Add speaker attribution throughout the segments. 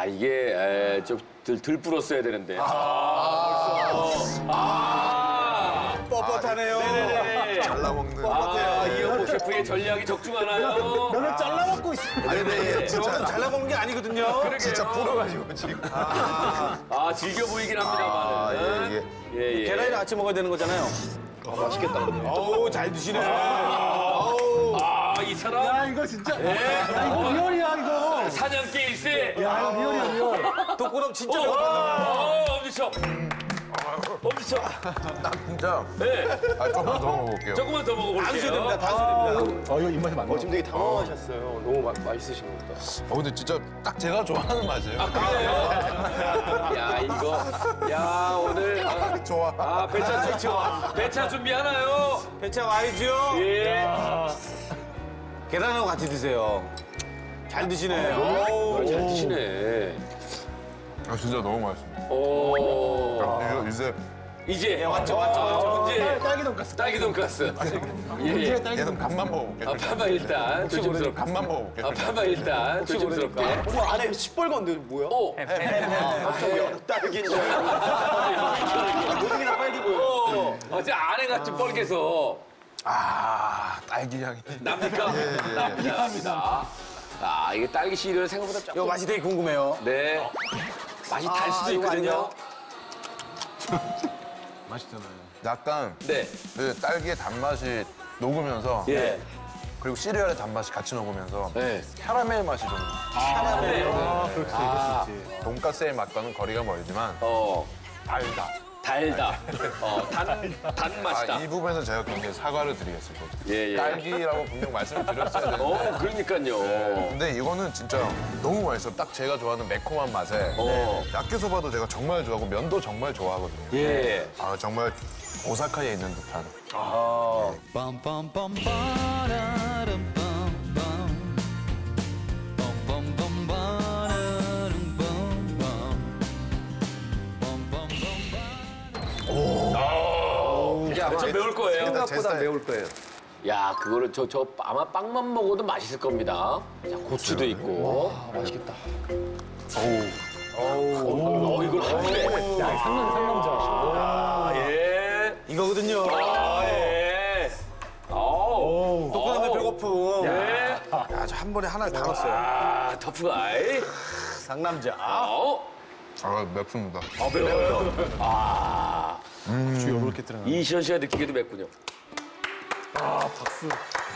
Speaker 1: 이게 좀 덜 불었어야 되는데.
Speaker 2: 뻣뻣하네요.
Speaker 1: 네네네.
Speaker 3: 잘라먹는.
Speaker 1: 이영복 셰프의 전략이 적중하나요?
Speaker 2: 면을 잘라먹고 있습니다.
Speaker 3: 아니, 근데
Speaker 2: 진짜 잘라먹는 게 아니거든요.
Speaker 1: 그러게요.
Speaker 3: 진짜 불어가지고 지금.
Speaker 1: 즐겨 보이긴 합니다만. 예.
Speaker 2: 계란이랑 같이 먹어야 되는 거잖아요.
Speaker 3: 맛있겠다.
Speaker 2: 어우, 잘 드시네.
Speaker 1: 이 사람.
Speaker 4: 이거 진짜.
Speaker 1: 이거
Speaker 4: 리얼이야, 이거.
Speaker 1: 사냥개 일세.
Speaker 4: 야, 이거 리얼이야, 리얼.
Speaker 2: 독고럼 진짜 배고팠네.
Speaker 1: 엄지척. 엄지척.
Speaker 3: 진짜.
Speaker 1: 네.
Speaker 3: 조금만 더 먹어볼게요.
Speaker 1: 조금만 더 먹어볼게요.
Speaker 2: 다 드셔야 됩니다. 다 드셔야 됩니다.
Speaker 4: 이거 입맛에 맞네.
Speaker 5: 지금 되게 당황하셨어요. 너무 맛있으신 것 같다.
Speaker 3: 근데 진짜 딱 제가 좋아하는 맛이에요.
Speaker 1: 그래요? 야, 이거. 야, 오늘.
Speaker 3: 좋아.
Speaker 1: 배차 준비하나요?
Speaker 2: 배차 와이즈요.
Speaker 1: 예.
Speaker 2: 계란하고 같이 드세요. 잘 드시네.
Speaker 1: 잘 드시네.
Speaker 3: 진짜 너무 맛있습니다.
Speaker 1: 오.
Speaker 3: 이제
Speaker 1: 이제.
Speaker 2: 왔죠.
Speaker 1: 이제.
Speaker 4: 딸기 돈가스.
Speaker 1: 딸기 돈가스. 예.
Speaker 4: 딸기
Speaker 3: 얘는 간만 먹어볼게요.
Speaker 1: 파마 일단 조심스럽게.
Speaker 3: 간만 먹어볼게요.
Speaker 1: 파마 일단 조심스럽게.
Speaker 5: 어머, 안에 시뻘건데 뭐야?
Speaker 1: 오.
Speaker 5: 딸기인 줄 알고. 모든 게 다 빨개 보여.
Speaker 1: 어제 안에가 좀 뻘개서
Speaker 3: 딸기 향이.
Speaker 1: 납니까? 납니다. 이게 딸기 씨를 생각보다
Speaker 2: 이거
Speaker 1: 조금.
Speaker 2: 맛이 되게 궁금해요.
Speaker 1: 네. 맛이 달 수도
Speaker 2: 이거
Speaker 1: 있거든요.
Speaker 2: 아니에요?
Speaker 3: 약간
Speaker 1: 네.
Speaker 3: 그 딸기의 단맛이 녹으면서
Speaker 1: 예.
Speaker 3: 그리고 시리얼의 단맛이 같이 녹으면서
Speaker 1: 네.
Speaker 3: 캐러멜 맛이 좀
Speaker 4: 그렇지.
Speaker 3: 돈가스의 맛과는 거리가 멀지만 달다.
Speaker 1: 달다. 단 맛이다.
Speaker 3: 이 부분에서 제가 굉장히 사과를 드리겠습니다.
Speaker 1: 예.
Speaker 3: 딸기라고 분명 말씀을 드렸어야 되는데
Speaker 1: 그러니까요.
Speaker 3: 근데 이거는 진짜 너무 맛있어요. 딱 제가 좋아하는 매콤한 맛에 야끼소바도 제가 정말 좋아하고 면도 정말 좋아하거든요.
Speaker 1: 예.
Speaker 3: 정말 오사카에 있는 듯한.
Speaker 6: Bum bum bum ba-da-dum bum bum. Bum bum bum ba-da-dum bum bum. Bum bum bum ba.
Speaker 1: 야, 좀 매울 거예요.
Speaker 5: 생각보다 매울 거예요.
Speaker 1: 야, 그거를 저 아마 빵만 먹어도 맛있을 겁니다. 자, 고추도 있고.
Speaker 5: 맛있겠다.
Speaker 1: 이걸 하네.
Speaker 4: 야, 상남자.
Speaker 1: 예.
Speaker 2: 이거거든요.
Speaker 1: 예.
Speaker 2: 독고럼에 배고픔.
Speaker 1: 예.
Speaker 2: 야, 저 한 번에 하나를 다 넣었어요.
Speaker 1: 터프가이.
Speaker 2: 상남자.
Speaker 3: 맵습니다.
Speaker 1: 매워요.
Speaker 4: 주요 이렇게 들어가.
Speaker 1: 이시연 씨가 느끼기도 맵군요.
Speaker 4: 박수.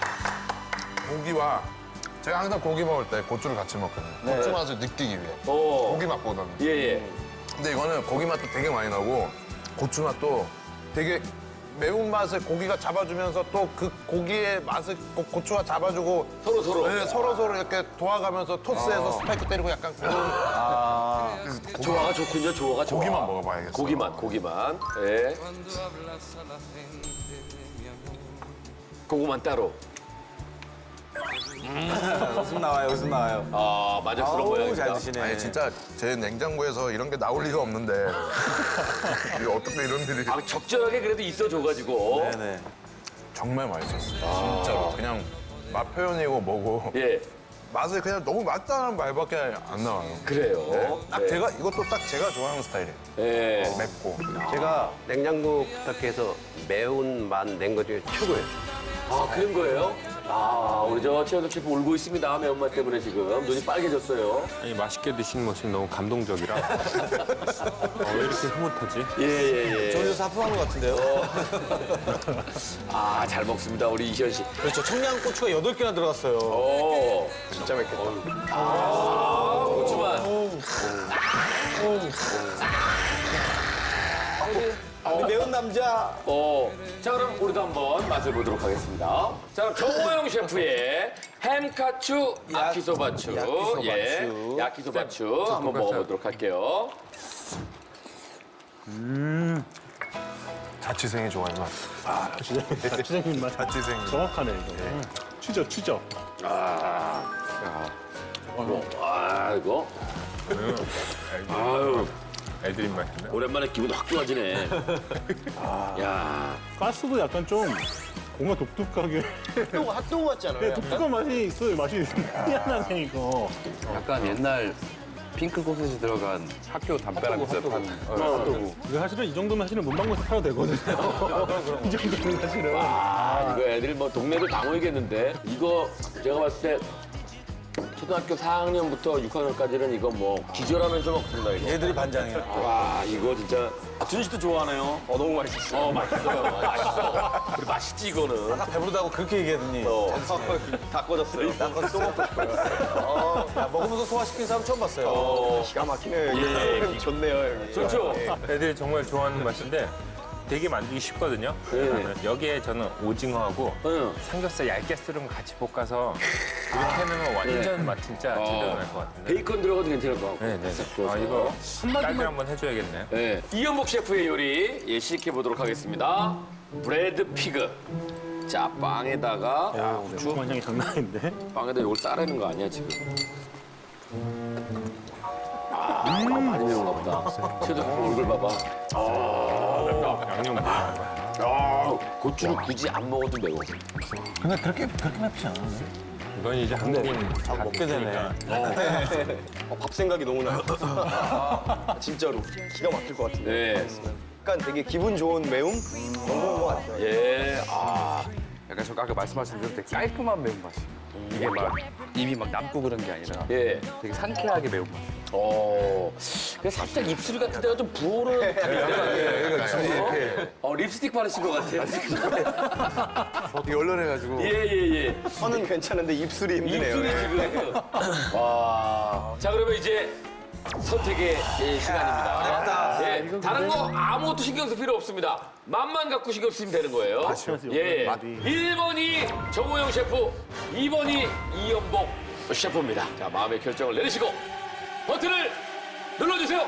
Speaker 3: 고기와 제가 항상 고기 먹을 때 고추를 같이 먹거든요. 고추 맛을 느끼기 위해. 고기 맛보다는.
Speaker 1: 예.
Speaker 3: 근데 이거는 고기 맛도 되게 많이 나고 고추 맛도 되게 매운 맛을 고기가 잡아주면서 또 그 고기의 맛을 고추가 잡아주고
Speaker 1: 서로.
Speaker 3: 네, 서로 이렇게 도와가면서 토스해서 스파이크 때리고 약간 그런
Speaker 1: 조화가 좋군요, 조화가 좋아.
Speaker 3: 고기만 먹어봐야겠어요.
Speaker 1: 고기만. 예. 고구만 따로.
Speaker 2: 웃음 나와요.
Speaker 1: 만족스러운 모양입니다.
Speaker 2: 잘 드시네.
Speaker 3: 아니 진짜 제 냉장고에서 이런 게 나올 리가 없는데 이게 어떻게 이런 일이
Speaker 1: 적절하게 그래도 있어줘가지고.
Speaker 2: 네네.
Speaker 3: 정말 맛있었어요. 진짜로 그냥 맛 표현이고 뭐고
Speaker 1: 예.
Speaker 3: 맛을 그냥 너무 맛있다는 말밖에 안 나와요.
Speaker 1: 그래요.
Speaker 3: 딱 제가 이것도 딱 제가 좋아하는 스타일이에요.
Speaker 1: 예.
Speaker 3: 맵고.
Speaker 5: 제가 냉장고 부탁해서 매운맛 낸 것 중에 최고예요.
Speaker 1: 그런 거예요? 우리 저 최현석 셰프 울고 있습니다. 매운맛 때문에 지금. 눈이 빨개졌어요.
Speaker 7: 아니 맛있게 드시는 모습이 너무 감동적이라 왜 이렇게 흐뭇하지?
Speaker 1: 예.
Speaker 2: 저기서 하품한 것 같은데요?
Speaker 1: 잘 먹습니다. 우리 이시연 씨.
Speaker 2: 그렇죠. 청양고추가 8개나 들어갔어요.
Speaker 5: 진짜 맵겠다.
Speaker 1: 고추만.
Speaker 2: 우리 매운 남자.
Speaker 1: 자, 그럼 우리도 한번 맛을 보도록 하겠습니다. 자, 그럼 정호영 셰프의 햄카추 야키소바추. 야키소바추 한번 먹어보도록 할게요.
Speaker 3: 자취생이 좋아하는 맛.
Speaker 4: 주장님 맛.
Speaker 3: 자취생.
Speaker 4: 정확하네, 이거. 추적.
Speaker 1: 이거. 아유,
Speaker 7: 애드립 맛인데.
Speaker 1: 오랜만에 기분 확 좋아지네. 야.
Speaker 4: 가스도 약간 좀 뭔가 독특하게
Speaker 5: 핫도그 같잖아요.
Speaker 4: 독특한 맛이 있어요. 맛이 희한하네, 이거.
Speaker 8: 약간 옛날
Speaker 7: 핑크 소세지 들어간 학교 담배라면서 핫도그.
Speaker 4: 이거 사실은 이 정도면 사실은 문방구에서 팔아도 되거든요. 이 정도면 사실은.
Speaker 1: 아, 이거 애들 뭐 동네도 다 모이겠는데 이거 제가 봤을 때 초등학교 4학년부터 6학년까지는 이거 뭐 기절하면서 먹습니다 이거.
Speaker 2: 얘들이 반장이야.
Speaker 1: 와 이거 진짜
Speaker 5: 준희 씨도 좋아하네요. 너무 맛있었어.
Speaker 1: 맛있어요. 맛있어. 그리고 맛있지 이거는.
Speaker 2: 아까 배부르다고 그렇게 얘기하더니.
Speaker 5: 다 꺼졌어요.
Speaker 2: 또 먹고 싶어요. 야, 먹으면서 소화시킨 사람 처음 봤어요.
Speaker 5: 기가 막히네요. 형 좋네요, 형님.
Speaker 1: 좋죠.
Speaker 8: 애들이 정말 좋아하는 맛인데 되게 만들기 쉽거든요. 여기에 저는 오징어하고
Speaker 1: 응.
Speaker 8: 삼겹살 얇게 썰은 거 같이 볶아서 이렇게 해놓으면 완전 맛 진짜 제대로 날 것 같은데.
Speaker 1: 베이컨 들어가도 괜찮을 것 같고.
Speaker 8: 네네.
Speaker 1: 구워서.
Speaker 8: 아 이거 딸기 한번 해줘야겠네요.
Speaker 1: 네. 이연복 셰프의 요리 예, 시식해 보도록 하겠습니다. 브레드 피그. 자 빵에다가
Speaker 4: 주방장이 장난 아닌데?
Speaker 1: 빵에다 이걸 싸라는 거 아니야 지금? 많이 매운가 보다. 쟤도 얼굴 봐봐.
Speaker 8: 양념
Speaker 1: 고추를 굳이 안 먹어도 매워.
Speaker 2: 근데 그렇게 맵지 않아.
Speaker 8: 이건 이제 한국인 다
Speaker 2: 먹게 되네.
Speaker 5: 밥 생각이 너무 나요. 진짜로. 기가 막힐 것 같은데.
Speaker 1: 네.
Speaker 5: 약간 되게 기분 좋은 매움? 너무 좋은 것 같아요.
Speaker 1: 예.
Speaker 7: 약간 저 아까 말씀하신 대로 되게 깔끔한 매운맛이에요. 이게 막 입이 막 남고 그런 게 아니라
Speaker 1: 예.
Speaker 7: 되게 상쾌하게 매운맛.
Speaker 1: 근데 살짝 입술 같은 데가 좀 부어오르는 감이 립스틱 바르신 것 같아요.
Speaker 7: 되게 얼얼해가지고.
Speaker 1: 예.
Speaker 5: 혀는 괜찮은데 입술이 힘드네요.
Speaker 1: 입술이 지금. 와. 자, 그러면 이제 선택의 시간입니다. 예, 다른 거 아무것도 신경 쓸 필요 없습니다. 맛만 갖고 신경 쓰면 되는 거예요. 예. 1번이 정호영 셰프, 2번이 이연복 셰프입니다. 자, 마음의 결정을 내리시고 버튼을 눌러주세요.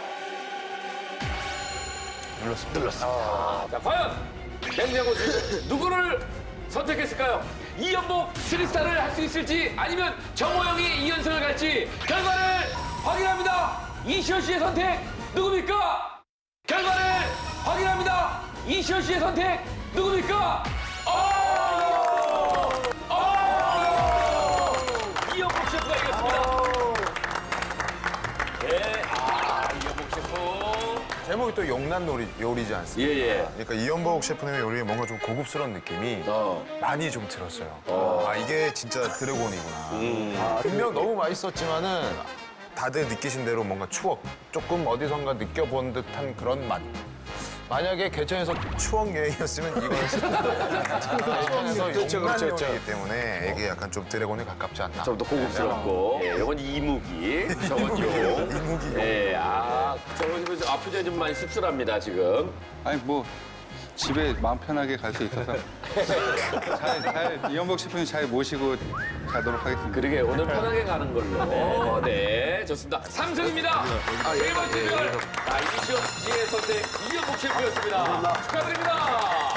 Speaker 1: 눌렀습니다. 자, 과연 냉장고 중 누구를 선택했을까요? 이연복 3스타를 할 수 있을지 아니면 정호영이 2연승을 갈지 결과를 확인합니다. 이시연 씨의 선택 누굽니까? 결과를 확인합니다. 이시연 씨의 선택 누굽니까? 이연복 셰프가 이겼습니다. 네, 이연복 셰프.
Speaker 3: 제목이 또 용난 요리지 않습니까?
Speaker 1: 예.
Speaker 3: 그러니까 이연복 셰프님의 요리에 뭔가 좀 고급스러운 느낌이 많이 좀 들었어요. 아, 이게 진짜 드래곤이구나. 분명 너무 맛있었지만은 다들 느끼신 대로 뭔가 추억, 조금 어디선가 느껴본 듯한 그런 맛. 만약에 개천에서 추억 여행이었으면 이건 개천에서 용난 요리이기 때문에 이게 약간 좀 드래곤에 가깝지 않나.
Speaker 1: 좀 더 고급스럽고. 예, 이건 이무기, 저건 용.
Speaker 3: 이무기.
Speaker 1: 예, 저건 표정이 좀 많이 씁쓸합니다, 지금.
Speaker 9: 아니 뭐 집에 마음 편하게 갈 수 있어서 이연복 셰프님 잘 모시고 가도록 하겠습니다.
Speaker 1: 그러게, 오늘 편하게 가는 걸로. 네, 좋습니다. 삼승입니다. 세 번째 별. 자, 이시연 씨의 선택, 이연복 셰프였습니다. 축하드립니다.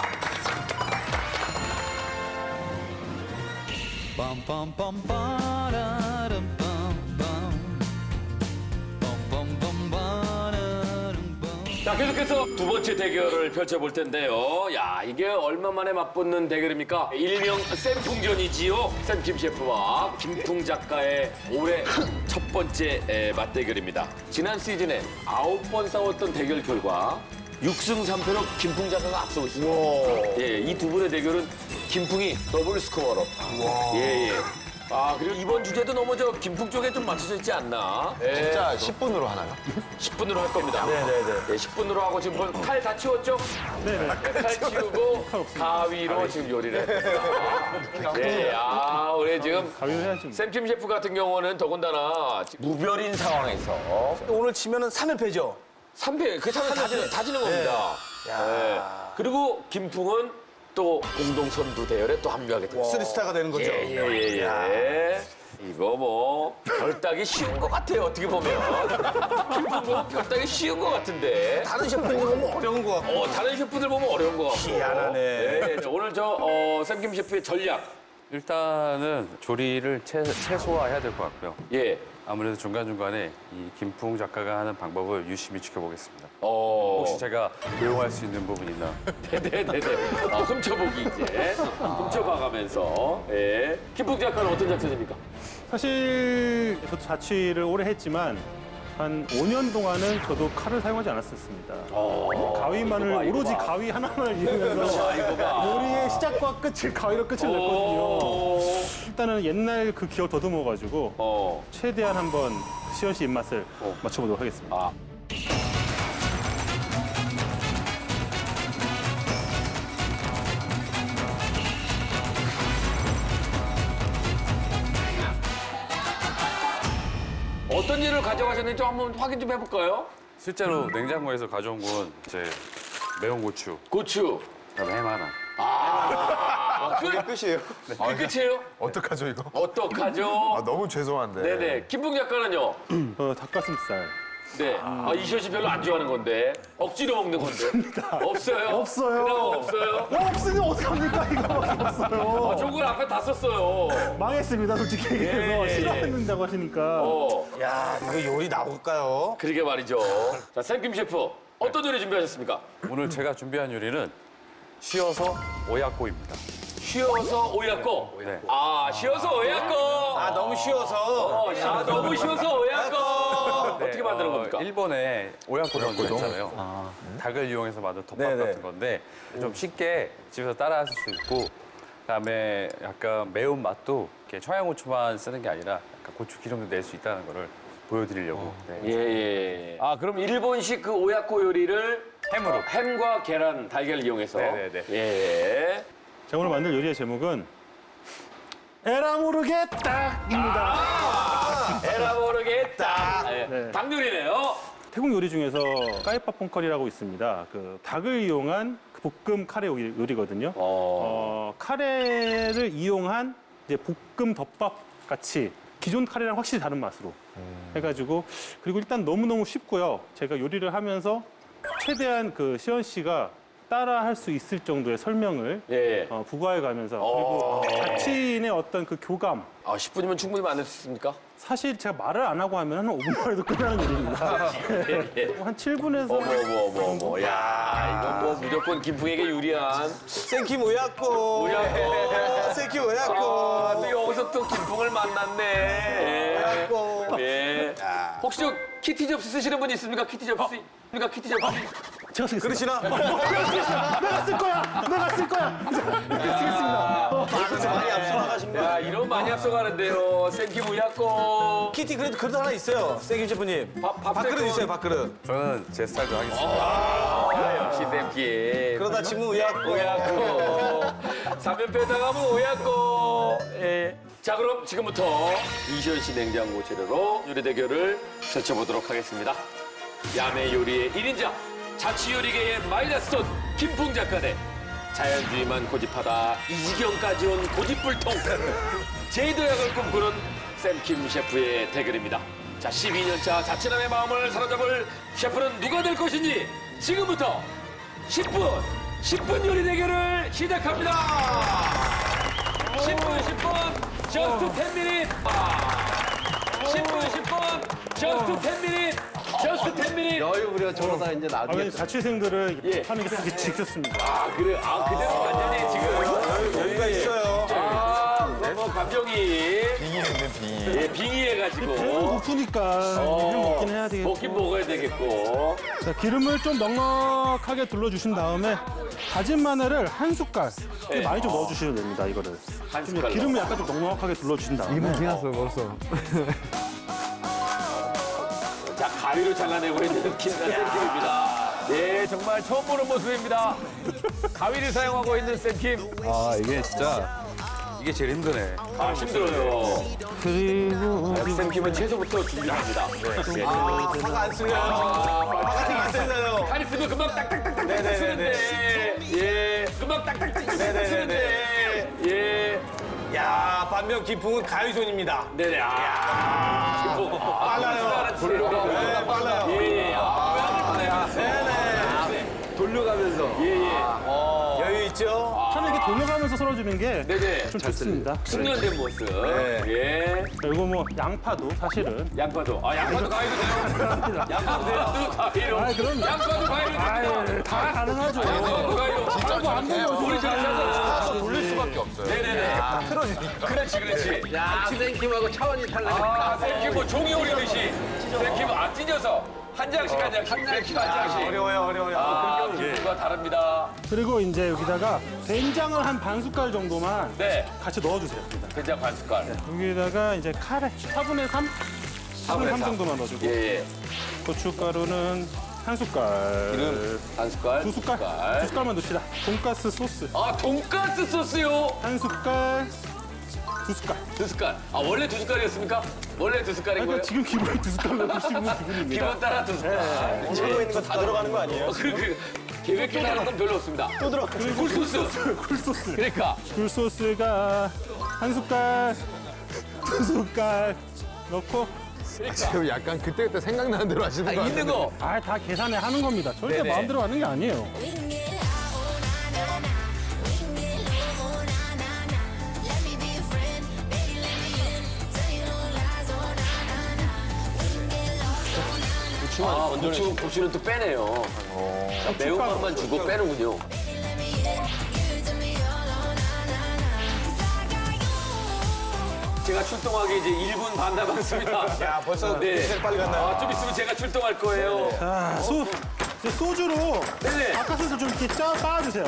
Speaker 1: 자, 계속해서 두 번째 대결을 펼쳐볼 텐데요. 야, 이게 얼마 만에 맞붙는 대결입니까? 일명 쌤풍전이지요. 쌤김 셰프와 김풍 작가의 올해 첫 번째 맞대결입니다. 지난 시즌에 9번 싸웠던 대결 결과 6승 3패로 김풍 작가가 앞서고 있습니다. 예, 이 두 분의 대결은 김풍이 더블 스코어로. 예. 그리고 이번 주제도 너무 김풍 쪽에 좀 맞춰져 있지 않나? 예.
Speaker 3: 진짜 10분으로 하나요?
Speaker 1: 10분으로 할 겁니다. 네, 10분으로 하고 지금 칼 다 치웠죠? 네, 칼 치우고 가위로 지금 요리를 했습니다. 네, 우리 지금
Speaker 4: 가위로 해야지.
Speaker 1: 샘킴 셰프 같은 경우는 더군다나 지금 무별인 상황에서
Speaker 2: 오늘 치면은 3연패죠.
Speaker 1: 3패, 그 차는 다지는 겁니다. 네. 그리고 김풍은 또 공동 선두 대열에 또 합류하게 됩니다.
Speaker 2: 3스타가 되는 거죠.
Speaker 1: 예. 이거 뭐 별따기 쉬운 것 같아요, 어떻게 보면. 김풍은 별따기 쉬운 것 같은데.
Speaker 2: 다른 셰프님 보면 어려운 거 같고.
Speaker 1: 다른 셰프들 보면 어려운 것 같고.
Speaker 2: 희한하네.
Speaker 1: 네, 오늘 샘김 셰프의 전략.
Speaker 7: 일단은 조리를 최소화해야 될 것 같고요.
Speaker 1: 예.
Speaker 7: 아무래도 중간중간에 이 김풍 작가가 하는 방법을 유심히 지켜보겠습니다.
Speaker 1: 혹시
Speaker 7: 혹시 제가 도용할 수 있는 부분이 있나?
Speaker 1: 네네네. 훔쳐보기 이제. 훔쳐봐가면서. 예. 김풍 작가는 어떤 작전입니까?
Speaker 4: 사실 저도 자취를 오래 했지만 한 5년 동안은 저도 칼을 사용하지 않았었습니다. 가위만을
Speaker 1: 이거 봐, 이거
Speaker 4: 오로지
Speaker 1: 봐.
Speaker 4: 가위 하나만을 이용해서 요리의 시작과 끝을 가위로 끝을 냈거든요. 일단은 옛날 그 기억 더듬어가지고 최대한 한번 시연 씨 입맛을 맞춰보도록 하겠습니다.
Speaker 1: 어떤 일을 가져가셨는지 좀 한번 확인 좀 해볼까요?
Speaker 7: 실제로 냉장고에서 가져온 건 이제 매운 고추,
Speaker 1: 고추.
Speaker 7: 그다음에 햄 하나.
Speaker 2: 그게 끝이에요.
Speaker 1: 그게 끝이에요?
Speaker 3: 어떡하죠 이거?
Speaker 1: 어떡하죠?
Speaker 3: 아 너무 죄송한데.
Speaker 1: 네네. 김풍 작가는요?
Speaker 4: 닭가슴살.
Speaker 1: 네. 이시연 씨 별로 안 좋아하는 건데. 억지로 먹는 건데. 없어요?
Speaker 4: 없어요.
Speaker 1: 그나마 없어요?
Speaker 4: 없으면 어떡합니까? 이거밖에 없어요.
Speaker 1: 좋은 걸 앞에 다 썼어요.
Speaker 4: 망했습니다, 솔직히 얘기해서.
Speaker 1: 예.
Speaker 4: 싫어했는다고 하시니까.
Speaker 2: 야, 이거 요리 나올까요?
Speaker 1: 그러게 말이죠. 자, 샘김 셰프. 어떤 요리 준비하셨습니까?
Speaker 7: 오늘 제가 준비한 요리는 쉬어서 오야코입니다.
Speaker 1: 쉬어서 오야꺼.
Speaker 7: 네.
Speaker 1: 쉬어서 오야꺼.
Speaker 2: 너무 쉬워서.
Speaker 1: 너무 쉬어서 오야꺼. 어떻게 만드는 겁니까?
Speaker 7: 일본에 오야코丼 있잖아요. 닭을 이용해서 만든 덮밥
Speaker 2: 네네.
Speaker 7: 같은 건데 좀 쉽게 집에서 따라하실 수 있고 그다음에 약간 매운 맛도 이렇게 청양고추만 쓰는 게 아니라 약간 고추 기름도 낼 수 있다는 거를 보여드리려고. 네.
Speaker 1: 예. 그럼 일본식 그 오야코 요리를
Speaker 7: 햄으로.
Speaker 1: 햄과 계란, 달걀을 이용해서.
Speaker 7: 네네네.
Speaker 1: 예.
Speaker 4: 제가 오늘 만들 요리의 제목은 에라 모르겠다입니다.
Speaker 1: 에라 모르겠다.
Speaker 4: 네.
Speaker 1: 닭 요리네요.
Speaker 4: 태국 요리 중에서 까이파 퐁커리라고 있습니다. 그 닭을 이용한 그 볶음 카레 요리거든요. 카레를 이용한 이제 볶음 덮밥 같이 기존 카레랑 확실히 다른 맛으로 해가지고 그리고 일단 너무너무 쉽고요. 제가 요리를 하면서 최대한 그 시연 씨가 따라 할 수 있을 정도의 설명을
Speaker 1: 예.
Speaker 4: 부과해 가면서 그리고 자취인의 어떤 그 교감
Speaker 1: 10분이면 충분히 만들 수 있습니까?
Speaker 4: 사실 제가 말을 안 하고 하면 한 5분 만에도 끝나는 일입니다. 한 7분에서
Speaker 1: 야, 이거 뭐 무조건 김풍에게 유리한.
Speaker 2: 생김 오야코.
Speaker 1: 오야코.
Speaker 2: 생김 오야코.
Speaker 1: 또 여기서 또 김풍을 만났네.
Speaker 2: 오야코.
Speaker 1: 예. 혹시 저 키티 접시 쓰시는 분 있습니까? 키티 접시? 키티 접시?
Speaker 4: 제가 쓰겠습니다.
Speaker 2: 그러시나?
Speaker 4: 내가 쓸 거야! 내가 쓸 거야! 이렇게 쓰겠습니다.
Speaker 2: 많이 앞서나가신 거.
Speaker 1: 야, 이런 많이 앞서가는데요. 생김 오야코.
Speaker 2: 키티 그래도 하나 있어요. 생김 셰프님. 밥그릇 있어요, 밥그릇.
Speaker 7: 저는 제 스타일도 하겠습니다.
Speaker 1: 역시 샘김.
Speaker 2: 그러다 지금 오야코.
Speaker 1: 오야코. 사면패 당하면 오야코. 예. 자, 그럼 지금부터 이시연 씨 냉장고 재료로 요리 대결을 펼쳐보도록 하겠습니다. 야매 요리의 1인자, 자취 요리계의 마이너스톤 김풍 작가 대 자연주의만 고집하다 이 지경까지 온 고집불통 제도약을 꿈꾸는 샘킴 셰프의 대결입니다. 자, 12년차 자취남의 마음을 사로잡을 셰프는 누가 될 것인지 지금부터 10분 요리 대결을 시작합니다. 10분 just 10 minutes. 10분 just 10 minutes. just 10 minutes.
Speaker 5: 여유 부려 저러다 이제 나중에
Speaker 4: 자취생들을
Speaker 1: 예.
Speaker 4: 하는 게 되게 지켰습니다.
Speaker 1: 그래. 그대로 완전히 지금
Speaker 2: 여유가 있어요.
Speaker 1: 뭐 감정이
Speaker 3: 빙의했네 빙의.
Speaker 1: 예, 빙의해가지고
Speaker 4: 배는 고프니까 햄 먹긴 해야 되겠고.
Speaker 1: 먹긴 먹어야 되겠고.
Speaker 4: 자, 기름을 좀 넉넉하게 둘러주신 다음에 다진 마늘을 한 숟갈
Speaker 1: 네.
Speaker 4: 많이 좀 넣어주시면 됩니다. 이거를
Speaker 1: 한
Speaker 4: 좀
Speaker 1: 숟갈
Speaker 4: 기름을 약간 좀 넉넉하게 둘러주신 다음에
Speaker 1: 자, 가위로 잘라내고 있는 김나쌤킴입니다. 예, 정말 처음 보는 모습입니다. 가위를 사용하고 있는 쌤킴.
Speaker 7: 이게 진짜 이게 제일 힘드네.
Speaker 1: 힘들어요.
Speaker 4: 그리고
Speaker 1: 쌤킴은 채소부터 준비합니다.
Speaker 2: 화가 안 쓰려요. 화가 되게 안 쓰려요.
Speaker 1: 칼 쓰면 금방 딱딱딱딱 쓰는데. 예, 금방 딱딱딱 쓰는데. 예.
Speaker 2: 야, 반면 김풍은 가위손입니다.
Speaker 1: 네네. 김풍.
Speaker 2: 빨라요.
Speaker 1: 돌려가면서.
Speaker 2: 빨라요.
Speaker 1: 예.
Speaker 5: 돌려가면서.
Speaker 2: 여유 있죠?
Speaker 4: 저는 이렇게 돌려가면서 썰어주는 게
Speaker 1: 네네.
Speaker 4: 좀 좋습니다.
Speaker 1: 숙련된 모습. 예.
Speaker 4: 그리고 뭐 양파도 사실은
Speaker 1: 양파도. 양파도 가위도 돼요.
Speaker 4: 가능합니다.
Speaker 1: 양파도 과일로.
Speaker 4: 아, 그럼.
Speaker 1: 양파도 과일로.
Speaker 4: 아, 다 가능하죠.
Speaker 1: 양파도 과일로.
Speaker 4: 진짜 안 돼요.
Speaker 1: 우리 저렇게 하잖아.
Speaker 3: 타서 돌릴 수밖에 없어요.
Speaker 1: 네네네.
Speaker 3: 틀어지니까.
Speaker 1: 그렇지.
Speaker 5: 야, 땡킴하고 차원이 달라니까.
Speaker 1: 아, 쌤킴 뭐 종이 오리듯이. 쌤킴 찢어서 한 장씩 한 장씩. 쌤킴 한 장씩.
Speaker 2: 어려워요.
Speaker 1: 아, 김풍과 다릅니다.
Speaker 4: 그리고 이제 여기다가 된장을 한 반 숟갈 정도만
Speaker 1: 네.
Speaker 4: 같이 넣어주세요. 여기다.
Speaker 1: 된장 반 숟갈.
Speaker 4: 여기다가 이제 카레 4분의 3? 4분의 3 정도만 넣어주고
Speaker 1: 예.
Speaker 4: 고춧가루는 한 숟갈,
Speaker 1: 반 숟갈.
Speaker 4: 두 숟갈만 넣읍시다. 돈가스 소스
Speaker 1: 아, 돈가스 소스요.
Speaker 4: 한 숟갈, 두 숟갈.
Speaker 1: 두 숟갈. 아, 원래 두 숟갈이었습니까? 원래 두 숟갈인 거예요?
Speaker 4: 그러니까 지금 기본에 두 숟갈 넣으시면 기분입니다.
Speaker 1: 기본 따라 두 숟갈.
Speaker 2: 들고 있는 거 다 들어가는 거 아니에요?
Speaker 1: 계획해 나는 건 별로 없습니다.
Speaker 2: 또 들어.
Speaker 1: 굴소스.
Speaker 4: 굴소스.
Speaker 1: 그러니까.
Speaker 4: 굴소스가 한 숟갈, 두 숟갈 넣고
Speaker 3: 지금 약간 그때그때 생각나는 대로 하시는 거
Speaker 1: 있는
Speaker 3: 같아요.
Speaker 1: 거.
Speaker 4: 아, 다 계산해 하는 겁니다. 절대
Speaker 1: 네네.
Speaker 4: 마음대로 하는 게 아니에요.
Speaker 10: We can get high, oh na na na. We can get low, oh na na na. Let me be a friend, baby, let me in. Tell you no lies, oh na na na. We can get lost, oh na na.
Speaker 1: 고추는 또 빼네요. 매운맛만 주고 빼는군요.
Speaker 10: Let me in, give it to me all, oh na na na. 'Cause I got you.
Speaker 1: 제가 출동하기 이제 1분 반 남았습니다.
Speaker 2: 야, 벌써
Speaker 1: 네.
Speaker 2: 빨리 갔나요?
Speaker 1: 아, 좀 있으면 제가 출동할 거예요.
Speaker 4: 자, 이제 소주로
Speaker 1: 네네.
Speaker 4: 바깥에서 좀 이렇게 빻아주세요.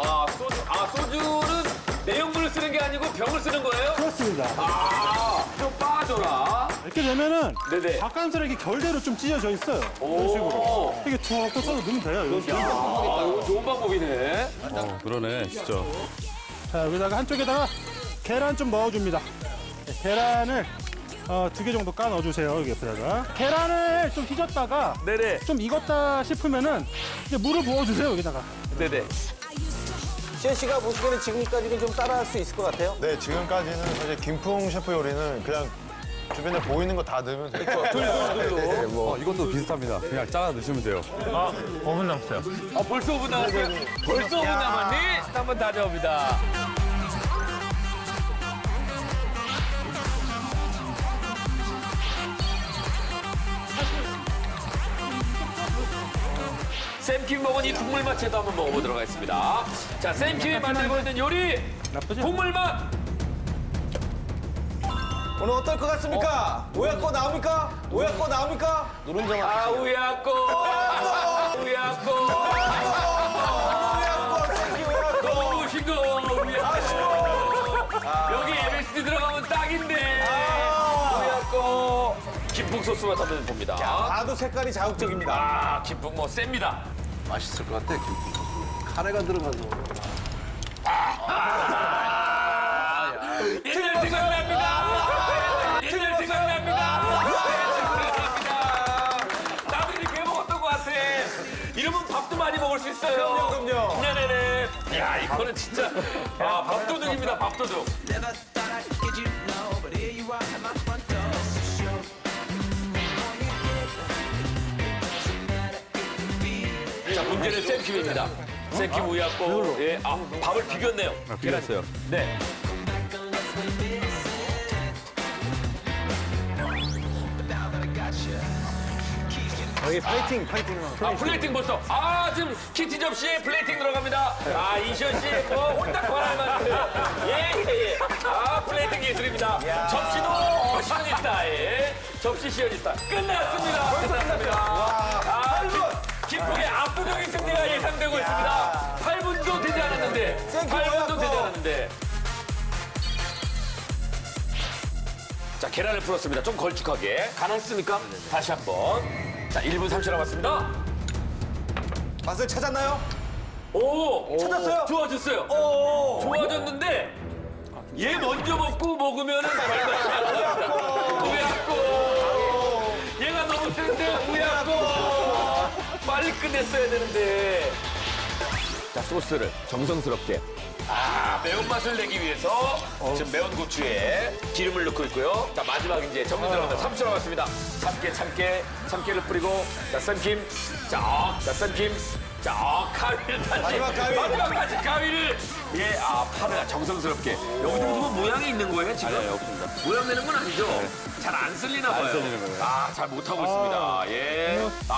Speaker 1: 소주는 내용물을 쓰는 게 아니고 병을 쓰는 거예요?
Speaker 4: 그렇습니다.
Speaker 1: 좀 빠져라.
Speaker 4: 이렇게 되면은
Speaker 1: 네네.
Speaker 4: 바깥으로 이렇게 결대로 좀 찢어져 있어요.
Speaker 1: 오.
Speaker 4: 이런 식으로. 이렇게 툭툭 써서 넣으면 돼요. 이런 식으로.
Speaker 1: 이거 좋은 방법이네.
Speaker 7: 그러네, 진짜.
Speaker 4: 자, 여기다가 한쪽에다가 계란 좀 넣어줍니다. 네, 계란을 2개 정도 까 넣어주세요. 여기 옆에다가. 계란을 좀 휘졌다가
Speaker 1: 네네.
Speaker 4: 좀 익었다 싶으면은 이제 물을 부어주세요. 여기다가.
Speaker 1: 네네.
Speaker 2: 시현 씨가 보시기에는 지금까지는 좀 따라할 수 있을 것 같아요?
Speaker 3: 네, 지금까지는 사실 김풍 셰프 요리는 그냥 주변에 보이는 거 다 넣으면 돼요. 네, 뭐.
Speaker 7: 이것도 비슷합니다. 그냥 잘라 넣으시면 돼요.
Speaker 8: 5분 남았어요.
Speaker 1: 벌써 5분 남았어요? 벌써 5분 남았니? 한번 다녀옵니다. 쌤킴 먹은 이 국물 맛채도 한번 먹어보도록 하겠습니다. 자, 쌤킴이 만들고 있는 요리
Speaker 4: 나쁘지
Speaker 1: 국물 맛.
Speaker 2: 오늘 어떨 것 같습니까? 오야꺼 나옵니까? 오야꺼 나옵니까? 누른자만
Speaker 1: 아, 우야꼬. 우야꼬.
Speaker 2: 오야꺼, 생기 오야꺼.
Speaker 1: 너무 싱거워. 우야꼬. 여기 MSG 들어가면 딱인데. 우야꼬. 김풍 소스 맛 한번 봅니다.
Speaker 2: 봐도 색깔이 자극적입니다.
Speaker 1: 아, 김풍 뭐 셉니다.
Speaker 9: 맛있을 것 같아, 김. 카레가 들어가서.
Speaker 1: 옛날 생각납니다. 옛날 생각납니다. 나도 이렇게 해 먹었던 것 같아. 이러면 밥도 많이 먹을 수 있어요.
Speaker 2: 그럼요.
Speaker 1: 네네네. 야, 이거는 진짜 밥도둑입니다. 밥도둑. 자, 문제는 쌤킴입니다. 쌤킴 우야꼬. 예, 밥을 비볐네요.
Speaker 7: 비렸어요.
Speaker 1: 네.
Speaker 2: 여기 플레이팅.
Speaker 1: 플레이팅 벌써. 지금 키티 접시에 플레이팅 들어갑니다. 이시연 씨, 혼딱 권할 만큼. 예. 플레이팅 예술입니다. 접시도 시연이 스타일. 접시 시연이 스타일. 끝났습니다. 끝났습니다. 김풍의 압도적인 승리가 예상되고 있습니다. 8분도 되지 않았는데. 8분도 되지 않았는데. 자, 계란을 풀었습니다. 좀 걸쭉하게. 가능했습니까? 다시 한 번. 자, 1분 30초 남았습니다.
Speaker 2: 맛을 찾았나요?
Speaker 1: 오!
Speaker 2: 찾았어요?
Speaker 1: 좋아졌어요. 좋아졌는데, 얘 먼저 먹으면은 별맛이 안 납니다. 우야꼬! 얘가 너무 센데, 우야꼬! 빨리 끝냈어야 되는데. 자, 소스를 정성스럽게. 매운맛을 내기 위해서 지금 매운 고추에 기름을 넣고 있고요. 자, 마지막 이제 정리 들어갑니다. 3초 남았습니다. 참깨를 뿌리고, 자, 쌤킴. 자, 쌤킴. 자, 가위를 다시. 마지막까지 가위를. 예, 파를 정성스럽게. 여기서 무슨 모양이 있는 거예요, 지금?
Speaker 7: 없습니다.
Speaker 1: 모양 내는 건 아니죠? 잘 안 쓸리나 봐요.
Speaker 7: 쓸리는 거예요.
Speaker 1: 잘 못하고 있습니다. 예.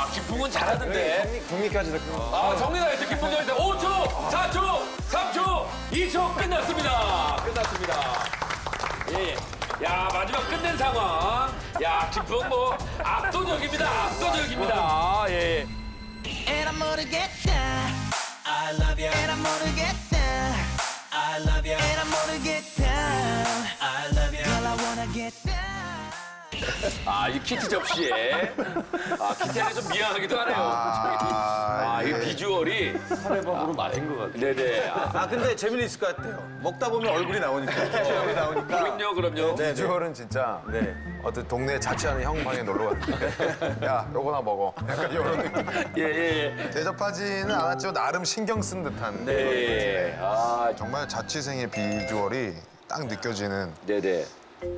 Speaker 1: 야, 김풍은 잘하던데.
Speaker 2: 경리까지
Speaker 1: 아, 정리가 됐어. 김풍 정리 5초, 4초, 3초, 2초 끝났습니다. 끝났습니다. 예. 야, 마지막 끝낸 상황. 야, 김풍 뭐 압도적입니다. 압도적입니다. 예.
Speaker 10: And I'm gonna get down. I love you. And I'm gonna get down. I love you. And I'm gonna get down. I love you. Girl, I wanna get down.
Speaker 1: 아, 이 키트 접시에. 아, 키트가 좀 미안하기도 하네요. 아, 이 비주얼이 카레밥으로 맞은 것 같아요. 네네.
Speaker 2: 아 근데 재미있을 것 같아요. 먹다 보면 얼굴이 나오니까. 얼굴이 나오니까.
Speaker 1: 그럼요.
Speaker 3: 비주얼은 진짜 어떤 동네 자취하는 형 방에 놀러 갔는데 야, 요거나 먹어. 약간 이런 느낌.
Speaker 1: 예.
Speaker 3: 대접하지는 않았지만 나름 신경 쓴 듯한.
Speaker 1: 네. 아,
Speaker 3: 정말 자취생의 비주얼이 딱 느껴지는.
Speaker 1: 네네.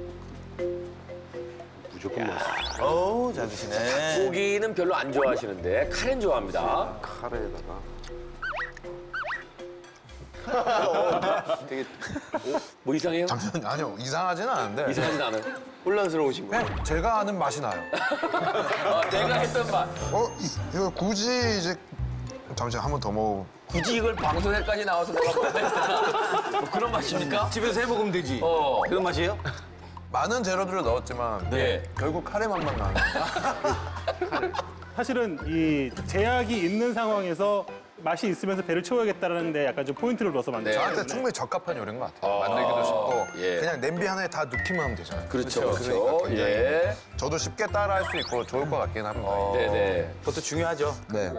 Speaker 2: 어우 잘 드시네.
Speaker 1: 고기는 별로 안 좋아하시는데 카레는 좋아합니다.
Speaker 9: 카레에다가
Speaker 1: 뭐 이상해요?
Speaker 3: 잠시만요. 아니요, 이상하지는 않은데.
Speaker 1: 이상하진 않아요.
Speaker 2: 혼란스러우신 거예요?
Speaker 3: 그냥 제가 아는 맛이 나요.
Speaker 1: 내가 했던 맛.
Speaker 3: 이거 굳이 이제 잠시 한 번 더 먹어.
Speaker 1: 굳이 이걸 방송에까지 나와서 먹어봐야 되나? 뭐 그런 맛입니까?
Speaker 2: 집에서 해 먹으면 되지. 그런 맛이에요?
Speaker 3: 많은 재료들을 넣었지만
Speaker 1: 네.
Speaker 3: 결국 카레 맛만 나는.
Speaker 4: 사실은 이 제약이 있는 상황에서 맛이 있으면서 배를 채워야겠다는 데 약간 좀 포인트를 넣어서 만든 거예요.
Speaker 3: 저한테 충분히 적합한 요리인 것 같아요. 만들기도 쉽고
Speaker 1: 예.
Speaker 3: 그냥 냄비 하나에 다 넣기만 하면 되잖아요.
Speaker 1: 그렇죠.
Speaker 3: 그러니까 굉장히
Speaker 1: 예.
Speaker 3: 저도 쉽게 따라할 수 있고 좋을 것 같긴 합니다.
Speaker 1: 네네.
Speaker 2: 그것도 중요하죠.
Speaker 3: 네.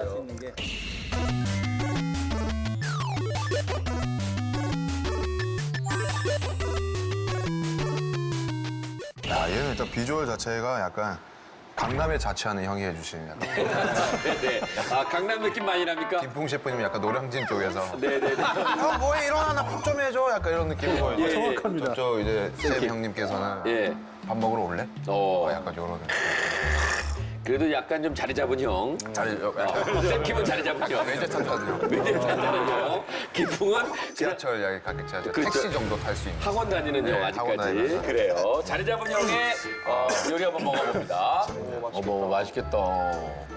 Speaker 3: 야, 얘는 일단 비주얼 자체가 약간 강남에 자취하는 형이 해주신 약간
Speaker 1: 네네. 아, 강남 느낌 많이 납니까?
Speaker 3: 김풍 셰프님 약간 노량진 쪽에서
Speaker 1: 네네네.
Speaker 3: 형 뭐해 일어나 나 밥 좀 해줘 약간 이런 느낌이고
Speaker 1: 예,
Speaker 4: 정확합니다.
Speaker 3: 저 이제 쌤 형님께서는
Speaker 1: 예.
Speaker 3: 밥 먹으러 올래? 약간 이런
Speaker 1: 그래도 약간 좀 자리 잡은 형. 쌤킴은 자리 잡은 형.
Speaker 3: 외제차 타는 형.
Speaker 1: 외제차는 형. 김풍은
Speaker 3: 지하철 약간 가격 지하철
Speaker 1: 그렇죠.
Speaker 3: 택시 정도 탈 수 있는.
Speaker 1: 학원 다니는 형
Speaker 3: 네, 학원
Speaker 1: 아직까지.
Speaker 3: 다니면서.
Speaker 1: 그래요. 자리 잡은 형의 요리 한번 먹어봅니다. 어머, 맛있겠다.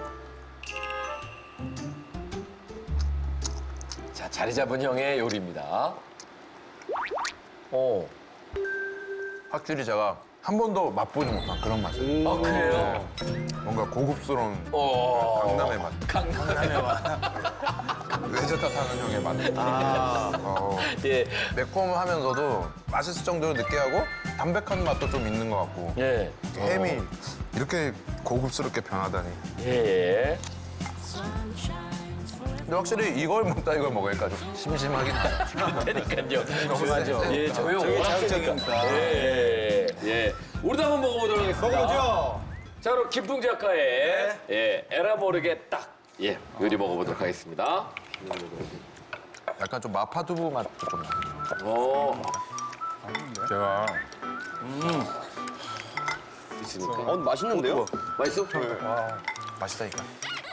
Speaker 1: 자, 자리 잡은 형의 요리입니다.
Speaker 3: 확실히 제가 한 번도 맛보지 못한 그런 맛이에요.
Speaker 1: 아, 그래요?
Speaker 3: 뭔가 고급스러운 강남의 맛.
Speaker 1: 강남의 맛.
Speaker 3: 외제차 타는 형의 맛.
Speaker 1: 예.
Speaker 3: 매콤하면서도 맛있을 정도로 느끼하고 담백한 맛도 좀 있는 것 같고
Speaker 1: 예.
Speaker 3: 햄이 이렇게 고급스럽게 변하다니.
Speaker 1: 예.
Speaker 3: 근데 확실히 이걸 먹다 이걸 먹으니까 좀 심심하긴 하죠.
Speaker 1: 그러니까요.
Speaker 3: 너무 세죠.
Speaker 1: 예, 저희
Speaker 2: 저게 자극적이니까.
Speaker 1: 예. 우리도 한번 먹어보도록 하겠습니다.
Speaker 2: 먹어보죠.
Speaker 1: 자, 그럼 김풍 작가의 에라 모르게 딱 요리 먹어보도록 하겠습니다.
Speaker 3: 약간 좀 마파두부 맛도 좀 나요.
Speaker 1: 오,
Speaker 8: 제가
Speaker 1: 있으니까.
Speaker 5: 맛있는데요?
Speaker 1: 맛있어?
Speaker 3: 맛있다니까.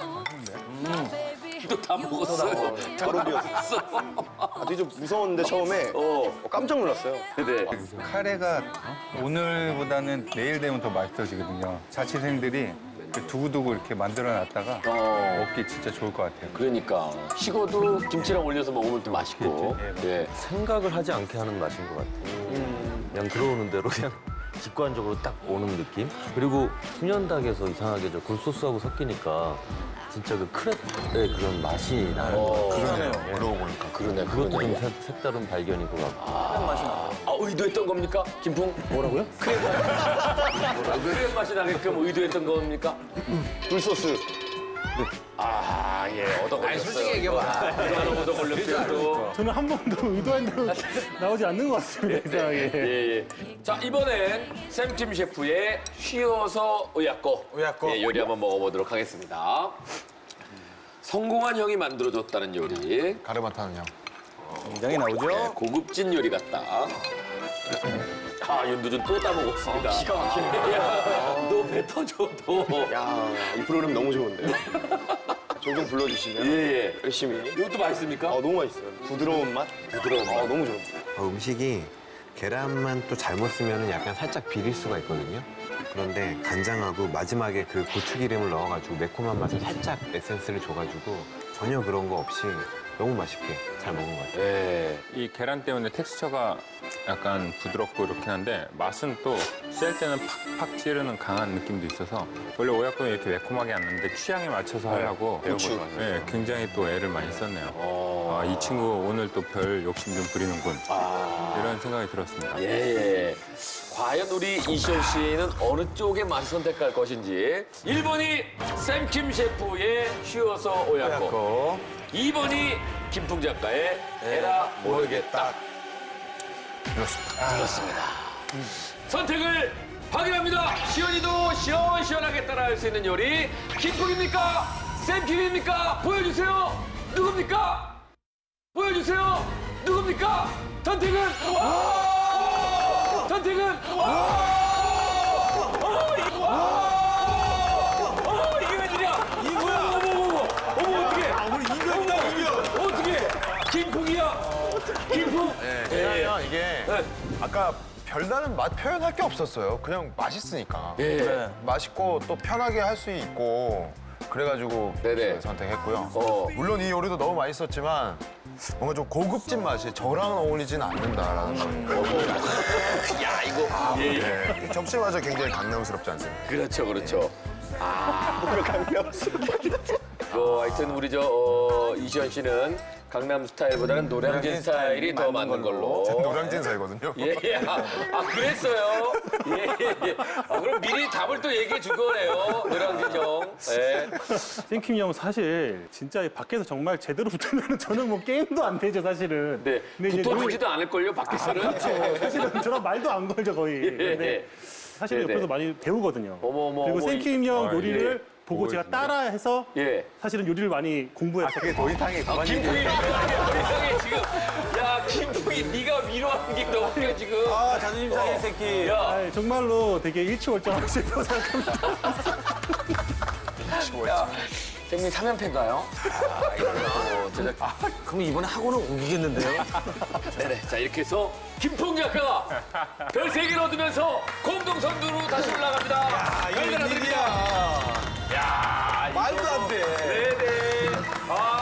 Speaker 1: 또 다 먹었어요.
Speaker 5: 바로 비었어. 되게 좀 무서웠는데 처음에 깜짝 놀랐어요.
Speaker 1: 네.
Speaker 9: 카레가 오늘보다는 내일 되면 더 맛있어지거든요. 자취생들이 두고두고 이렇게 만들어놨다가 먹기 진짜 좋을 것 같아요.
Speaker 1: 그러니까 식어도 김치랑 올려서 먹으면 또 맛있고. 예.
Speaker 11: 생각을 하지 않게 하는 맛인 것 같아요. 그냥 들어오는 대로 그냥 직관적으로 딱 오는 느낌? 그리고 훈연닭에서 이상하게 저 굴소스하고 섞이니까 진짜 그 크랩의 그런 맛이 나는 것 같아요.
Speaker 3: 그러네요. 그러고 보니까.
Speaker 1: 그러네.
Speaker 11: 그것도 좀 색다른 발견인 것 같고.
Speaker 1: 의도했던 겁니까? 김풍? 뭐라고요? 크랩 맛이 나게끔 의도했던 겁니까?
Speaker 5: 굴소스.
Speaker 1: 얻어걸렸어요. 솔직히 얘기해봐. 얻어걸렸어요.
Speaker 4: 저는 한 번도 의도한 대로 나오지 않는 것 같습니다. 이상하게.
Speaker 1: 예. 자, 이번엔 샘킴 셰프의 쉬어서 의약고 요리 한번 먹어보도록 하겠습니다. 성공한 형이 만들어줬다는 요리.
Speaker 3: 가르마 타는 형.
Speaker 2: 굉장히 나오죠?
Speaker 1: 고급진 요리 같다. 윤두준 또 따먹었습니다. 기가 막히네. 너 배 터져, 너.
Speaker 5: 야, 이 프로그램 너무 좋은데요? 종종 불러주시면
Speaker 1: 예.
Speaker 5: 열심히.
Speaker 1: 이것도 맛있습니까?
Speaker 5: 너무 맛있어요. 부드러운 맛?
Speaker 1: 부드러운 맛.
Speaker 5: 너무 좋아요.
Speaker 12: 음식이 계란만 또 잘못 쓰면 약간 살짝 비릴 수가 있거든요.
Speaker 3: 그런데 간장하고 마지막에 그 고추기름을 넣어가지고 매콤한 맛을 살짝 에센스를 줘가지고 전혀 그런 거 없이 너무 맛있게 잘 먹은 것 같아요.
Speaker 1: 예.
Speaker 8: 이 계란 때문에 텍스처가 약간 부드럽고 이렇긴 한데 맛은 또 쓸 때는 팍팍 찌르는 강한 느낌도 있어서 원래 오야코는 이렇게 매콤하게 안 넣는데 취향에 맞춰서 하려고 네, 굉장히 또 애를 많이 썼네요. 이 친구 오늘 또 별 욕심 좀 부리는군. 이런 생각이 들었습니다.
Speaker 1: 예. 과연 우리 이시연 씨는 어느 쪽의 맛을 선택할 것인지. 1번이 샘킴 셰프의 쉬어서 오야코. 2번이 김풍 작가의 에라 모르겠다. 그렇습니다. 선택을 확인합니다. 시연이도 시원시원하게 따라할 수 있는 요리 김풍입니까? 샘킴입니까? 보여주세요. 누굽니까? 보여주세요. 누굽니까? 선택은 선택은 이게 웬일이야? 어머 어떡해?
Speaker 5: 우리 이겼다.
Speaker 1: 어떡해? 김풍이야. 김풍.
Speaker 3: 왜냐면 이게 아까 별다른 맛 표현할 게 없었어요. 그냥 맛있으니까.
Speaker 1: 예.
Speaker 3: 맛있고 또 편하게 할 수 있고 그래가지고
Speaker 1: 네네.
Speaker 3: 선택했고요. 물론 이 요리도 너무 맛있었지만 뭔가 좀 고급진 맛이 저랑 어울리진 않는다라는 거.
Speaker 1: 야 이거.
Speaker 3: 네. 접시마저 굉장히 강남스럽지 않습니까?
Speaker 1: 그렇죠. 하여튼 우리 이시연 씨는 강남 스타일보다는 노량진 스타일이 더 맞는 걸로.
Speaker 3: 노량진 살거든요.
Speaker 1: 예. 아 그랬어요. 예. 그럼 미리 답을 또 얘기해 준 거네요. 노량진 형. 예.
Speaker 4: 샘킴 형 사실 진짜 밖에서 정말 제대로 붙으면 저는 뭐 게임도 안 되죠 사실은.
Speaker 1: 네.
Speaker 4: 근데 이제
Speaker 1: 붙어주지도 않을걸요 밖에서는.
Speaker 4: 사실은 저랑 말도 안 걸죠 거의. 근데 사실
Speaker 1: 네네.
Speaker 4: 옆에서 많이 배우거든요.
Speaker 1: 어머,
Speaker 4: 그리고 샘킴 형 요리를
Speaker 1: 예.
Speaker 4: 보고 제가 따라해서
Speaker 1: 예.
Speaker 4: 사실은 요리를 많이 공부했어요.
Speaker 9: 그게 더 이상해. 그만
Speaker 1: 김풍이 이상해 지금. 야 김풍이 네가 위로하는 게 너무 웃겨 지금.
Speaker 5: 자존심 상해 새끼.
Speaker 1: 야.
Speaker 4: 아, 정말로 되게 일치월장하고 싶다고 생각합니다.
Speaker 1: 생님 3연패인가요?
Speaker 5: 그럼 이번에 학원은 옮기겠는데요?
Speaker 1: 네네. 자 이렇게 해서 김풍 작가가 별 3개를 얻으면서 공동 선두로 다시 올라갑니다.
Speaker 5: 이거 웬일이야.